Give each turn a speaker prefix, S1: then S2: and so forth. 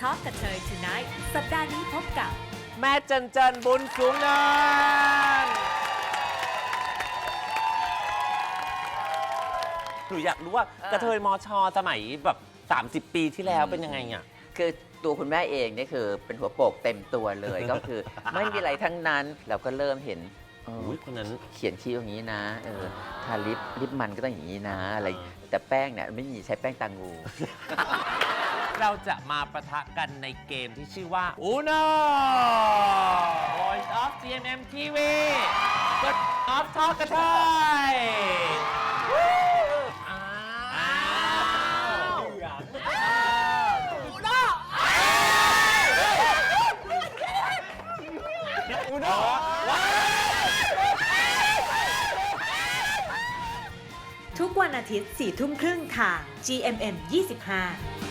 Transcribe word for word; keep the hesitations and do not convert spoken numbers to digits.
S1: Talk กับเธอ Tonight สัปดาห์นี้พบกับ
S2: แม่จันจันบุญสูงเนินหนูอยากรู้ว่ากระเทยมอชอสมัยแบบสามสิบปีที่แล้วเป็นยังไงอ่ะ
S3: คือตัวคุณแม่เองนี่คือเป็นหัวโปกเต็มตัวเลย ก็คือไม่มีอะไรทั้งนั้นเราก็เริ่มเห็น
S2: อุ้ยคนนั้น
S3: เขียนคิ้วอย่างนี้นะเออทาลิปลิปมันก็ต้องอย่างนี้นะอะไรแต่แป้งเนี่ยไม่มีใช้แป้งตางู
S2: เราจะมาปะทะกันในเกมที่ชื่อว่า Uno Voice of จี เอ็ม เอ็ม ที วี กด Off Talk กระเทยอ้าวUno Uno
S1: ทุกวันอาทิตย์สี่ทุ่มครึ่งทาง จี เอ็ม เอ็ม ยี่สิบห้า